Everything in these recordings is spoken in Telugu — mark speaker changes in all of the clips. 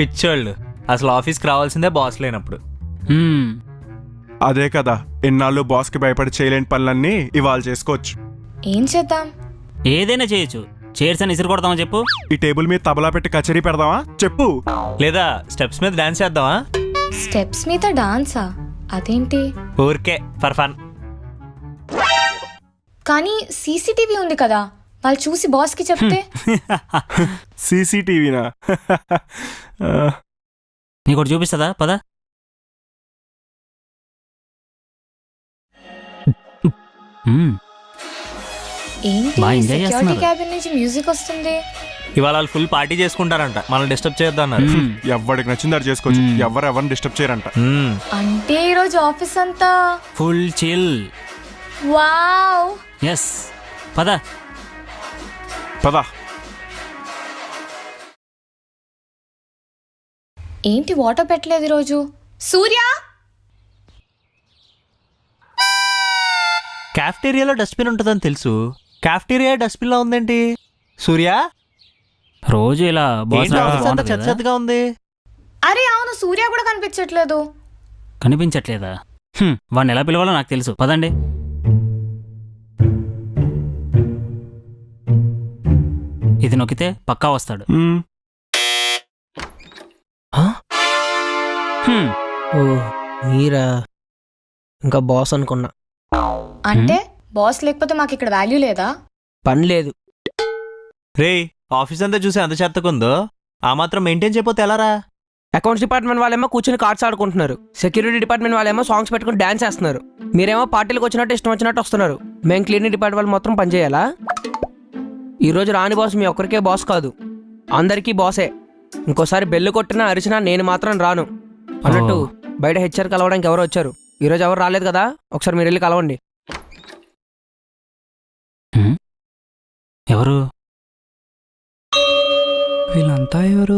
Speaker 1: పిచ్చోళ్ళు అసలు ఆఫీస్కి రావాల్సిందే బాస్ లేనప్పుడు.
Speaker 2: అదే కదా, ఎన్నాళ్ళు బాస్కి భయపడి చేయలేని పనులన్నీ ఇవాళ చేసుకోవచ్చు.
Speaker 3: ఏం చేద్దాం?
Speaker 4: ఏదైనా చేయొచ్చు. చైర్స్ అని ఇసురు కొడతామా చెప్పు?
Speaker 2: ఈ టేబుల్ మీద తబలా పెట్టి కచేరీ పెడదామా చెప్పు?
Speaker 1: లేదా స్టెప్స్ మీద డాన్స్ చేద్దామా?
Speaker 3: స్టెప్స్ మీద డాన్సా? అదేంటి?
Speaker 1: ఊరికే ఫర్ ఫన్.
Speaker 3: కానీ సీసీటీవీ ఉంది కదా, వాళ్ళు చూసి బాస్కి చెప్తే?
Speaker 2: సీసీటీవీనా?
Speaker 4: నీకు చూపిస్తుందా? పద.
Speaker 3: ఏంటి
Speaker 4: బాగా ఎంజాయ్
Speaker 3: సెక్యూరిటీ
Speaker 4: చేస్తున్నారు.
Speaker 3: క్యాబిన్ నుంచి మ్యూజిక్ వస్తుంది.
Speaker 1: ఇవాళ వాళ్ళు ఫుల్ పార్టీ చేసుకుంటారంట, మనం డిస్టర్బ్ చేద్దాం అన్నారు.
Speaker 2: ఎవరికి నచ్చింది అది చేసుకోవచ్చు, ఎవరిని డిస్టర్బ్ చేయరంట.
Speaker 3: అంటే ఈరోజు ఆఫీస్ అంతా
Speaker 4: ఫుల్ చిల్.
Speaker 3: వావ్.
Speaker 4: ఎస్, పద.
Speaker 2: పదా.
Speaker 3: ఏంటి వాటర్ పెట్టలేదు ఈరోజు? సూర్య,
Speaker 1: క్యాఫ్టేరియాలో డస్ట్బిన్ ఉంటుందని తెలుసు, క్యాఫ్టేరియా డస్ట్బిన్ లో ఉందేంటి? సూర్య,
Speaker 4: రోజు ఇలా
Speaker 1: ఏంటి ఆఫీస్ అంతా చెత్త చెత్తగా ఉంది?
Speaker 3: అరే అవును, సూర్య కూడా కనిపించట్లేదు.
Speaker 4: కనిపించట్లేదా? వాడిని ఎలా పిలవాలో నాకు తెలుసు. పదండి. ఇది నొక్కితే పక్కా వస్తాడు.
Speaker 5: ఓ మీరా? ఇంకా బాస్ అనుకున్నా.
Speaker 3: అంటే బాస్ లేకపోతే మాకు ఇక్కడ వాల్యూ లేదా?
Speaker 5: పని లేదు.
Speaker 1: రే, ఆఫీస్ అంతా చూసి అంత చెత్తకుందో, ఆ మాత్రం మెయింటైన్ చేయకపోతే ఎలారా?
Speaker 5: అకౌంట్స్ డిపార్ట్మెంట్ వాళ్ళేమో కూర్చొని కార్డ్స్ ఆడుకుంటున్నారు. సెక్యూరిటీ డిపార్ట్మెంట్ వాళ్ళేమో సాంగ్స్ పెట్టుకుని డాన్స్ చేస్తున్నారు. మీరేమో పార్టీలకు వచ్చినట్టు ఇష్టం వచ్చినట్టు వస్తున్నారు. మేము క్లీనింగ్ డిపార్ట్మెంట్ వాళ్ళు మొత్తం పని చేయాలా? ఈరోజు రాని బాస్ మీ ఒక్కరికే బాస్ కాదు, అందరికీ బాసే. ఇంకోసారి బెల్లు కొట్టినా అరిచినా నేను మాత్రం రాను. అన్నట్టు బయట హెచ్ఆర్ కలవడానికి ఎవరు వచ్చారు? ఈరోజు ఎవరు రాలేదు కదా, ఒకసారి మీరు వెళ్ళి కలవండి.
Speaker 4: ఎవరు
Speaker 6: వీళ్ళంతా? ఎవరు?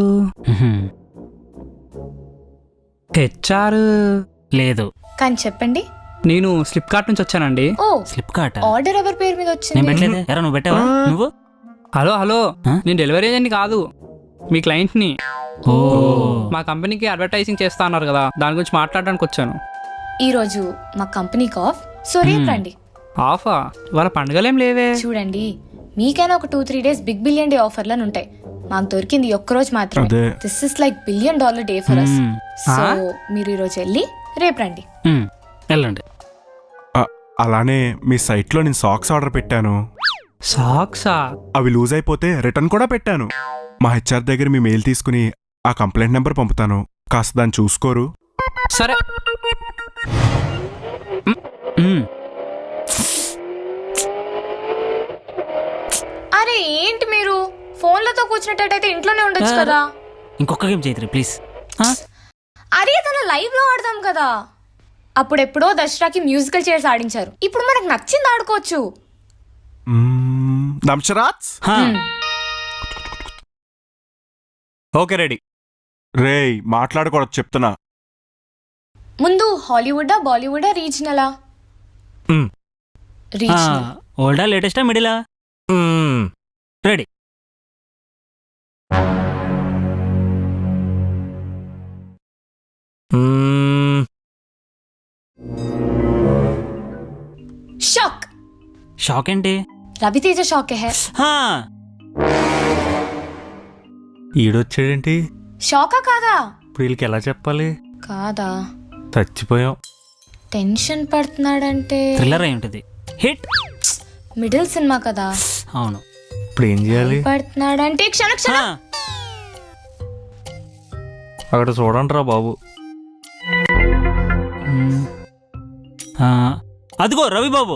Speaker 6: హెచ్ఆర్
Speaker 4: లేదు.
Speaker 3: కానీ చెప్పండి.
Speaker 6: నేను ఫ్లిప్కార్ట్ నుంచి వచ్చానండి.
Speaker 3: ఓ,
Speaker 4: ఫ్లిప్కార్ట్.
Speaker 3: ఆర్డర్ ఎవరి పేరు మీద
Speaker 4: నేను
Speaker 3: వచ్చింది?
Speaker 4: పెట్టలేదే. ఎరా నువ్వు పెట్టావా? నువ్వు?
Speaker 6: హలో హలో,
Speaker 4: ఆ?
Speaker 6: నేను డెలివరీ ఏజెంట్ కాదు, మీ క్లయింట్ని.
Speaker 4: ఓ,
Speaker 6: మా కంపెనీకి అడ్వర్టైజింగ్ చేస్తా అన్నారు కదా, దాని గురించి మాట్లాడడానికి వచ్చాను.
Speaker 3: ఈరోజు మా కంపెనీకి ఆఫ్, సో రేపు రండి.
Speaker 6: ఆఫా? ఇవాళ పండుగలేం లేవే.
Speaker 3: చూడండి, మీకైనా ఒక 2-3 డేస్ బిగ్ బిలియన్ డే ఆఫర్లను ఉంటాయి. మాకు దొరికింది ఈ ఒక్కరోజు మాత్రమే.
Speaker 2: అదే.
Speaker 3: This is like $1 billion day for us. So
Speaker 6: ఆ?
Speaker 3: మీరు ఈరోజు వెళ్ళి రేపు రండి.
Speaker 4: వెళ్ళండి.
Speaker 2: అలానే మీ సైట్లో నేను సాక్స్ ఆర్డర్ పెట్టాను.
Speaker 6: సాక్సా?
Speaker 2: అవి లూజ్ అయిపోతే రిటర్న్ కూడా పెట్టాను. మా హెచ్ఆర్ దగ్గర మీ మెయిల్ తీసుకుని ఆ కంప్లైంట్ నెంబర్ పంపుతాను, కాస్త దాన్ని చూసుకోరు.
Speaker 6: సరే.
Speaker 3: అరే ఏంటి మీరు ఫోన్లతో కూర్చున్నట్టయితే ఇంట్లోనే ఉండొచ్చు కదా.
Speaker 4: ఇంకొక గేమ్ చైత్రి ప్లీజ్.
Speaker 3: అరే తన లైవ్ లో ఆడదాం కదా. అప్పుడెప్పుడో దసరాకి మ్యూజికల్ చైర్స్ ఆడించారు, ఇప్పుడు మనకు నచ్చింది ఆడుకోవచ్చు.
Speaker 2: దంశరాజ్,
Speaker 1: ఓకే రెడీ.
Speaker 2: రేయ్ మాట్లాడకూడదు చెప్తున్నా.
Speaker 3: ముందు హాలీవుడా బాలీవుడా రీజనలా? రీజనల్.
Speaker 4: ఓల్డా లేటెస్టా మిడిలా? రెడీ.
Speaker 3: షాక్.
Speaker 4: షాక్ ఏంటి?
Speaker 3: రవితేజ షాకే హే.
Speaker 1: ఈడొచ్చాడేంటి?
Speaker 3: షాకా కాదా?
Speaker 1: ఇప్పుడు వీళ్ళకి ఎలా చెప్పాలి?
Speaker 3: కాదా?
Speaker 1: చచ్చిపోయాం.
Speaker 3: టెన్షన్ పడుతున్నాడంటే
Speaker 4: థ్రిల్లర్ అయి ఉంటుంది. హిట్.
Speaker 3: మిడిల్ సినిమా కదా.
Speaker 4: అవును.
Speaker 1: ఇప్పుడు ఏం చేయాలి?
Speaker 3: పడుతున్నాడంటే క్షణ క్షణం.
Speaker 1: అక్కడ చూడండి రా బాబు.
Speaker 4: అదిగో రవి బాబు.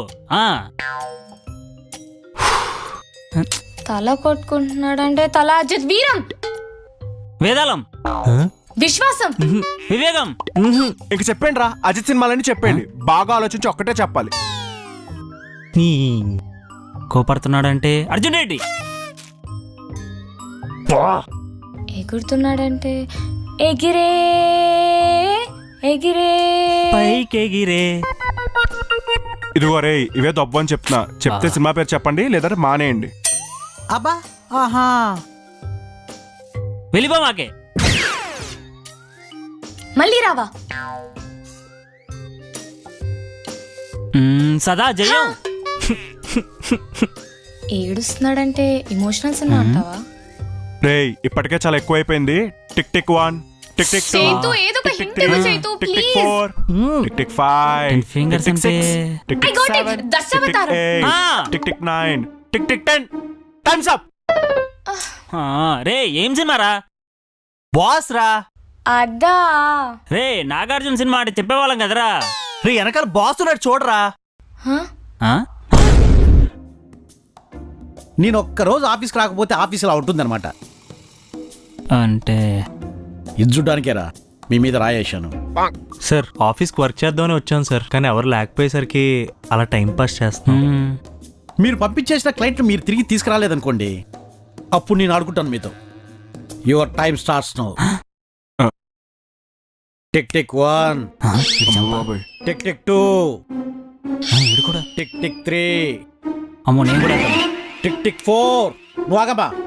Speaker 3: తల కొట్టుకుంటున్నాడంటే తల అజిత్ వీరం.
Speaker 4: వేదాళం.
Speaker 3: విశ్వాసం.
Speaker 4: వివేగం.
Speaker 2: ఇంక చెప్పండి రా, అజిత్ సినిమాలని చెప్పండి. బాగా ఆలోచించి ఒక్కటే చెప్పాలి.
Speaker 4: కోపడుతున్నాడంటే అర్జున్ రెడ్డి.
Speaker 3: ఎగురుతున్నాడంటే ఎగిరే ఎగిరే
Speaker 4: పైకెగిరే.
Speaker 2: ఇదిగో రే, ఇవే దబ్బు అని చెప్తున్నా. చెప్తే సినిమా పేరు చెప్పండి, లేదంటే మానేయండి.
Speaker 7: అబ్బా, ఆహా,
Speaker 4: వెళ్ళిపో మాకే.
Speaker 3: మళ్ళీ రావా?
Speaker 4: సదా జయం.
Speaker 3: ఏడుస్తున్నాడంటే ఎమోషనల్స్ ఉన్నా అంటావా?
Speaker 2: రేయ్ ఇప్పటికే చాలా ఎక్కువైపోయింది. Tick tick 1, tick tick 2,
Speaker 3: Chaitu, ఏదో ఒక
Speaker 2: టిక్ టిక్
Speaker 3: hint ఇవ్వు
Speaker 2: 3,
Speaker 3: Chaitu,
Speaker 2: tick tick
Speaker 3: please.
Speaker 2: 4, tick tick 5,
Speaker 4: Ten fingers
Speaker 2: tick tick
Speaker 4: అంటే-
Speaker 2: 6, tick
Speaker 3: I
Speaker 2: tick
Speaker 3: got it.
Speaker 2: 7,
Speaker 3: Dashavataram.
Speaker 2: Tick tick 9, tick tick 10. Times up.
Speaker 4: రే ఏం సినిమారా?
Speaker 1: బాస్ రా.
Speaker 3: అదా
Speaker 4: రే నాగార్జున సినిమా అంటే చెప్పేవాళ్ళం కదరా.
Speaker 1: రే వెనకాల బాస్ ఉన్నాడు చూడరా.
Speaker 3: హ?
Speaker 4: ఆ?
Speaker 7: నేను ఒక్కరోజు ఆఫీస్కి రాకపోతే ఆఫీస్ ఇలా ఉంటుందన్నమాట.
Speaker 4: అంటే
Speaker 7: ఇది చూడ్డానికేరా మీ మీద రాయేశాను.
Speaker 1: సార్ ఆఫీస్కి వర్క్ చేద్దామని వచ్చాను సార్, కానీ ఎవరు లేకపోయేసరికి అలా టైం పాస్ చేస్తున్నాం.
Speaker 7: మీరు పంపించేసిన క్లయింట్ మీరు తిరిగి తీసుకురాలేదనుకోండి, అప్పుడు నేను ఆడుకుంటాను మీతో. Your time starts now. Tick tick 1,
Speaker 2: బాబోయ్.
Speaker 7: టిక్ టిక్ 2,
Speaker 4: వీడు కూడా.
Speaker 7: టిక్ టిక్ 3,
Speaker 4: అమ్మో నేను కూడా వెళ్తాను.
Speaker 7: Tick tick 4. నువ్వు ఆగమ్మా.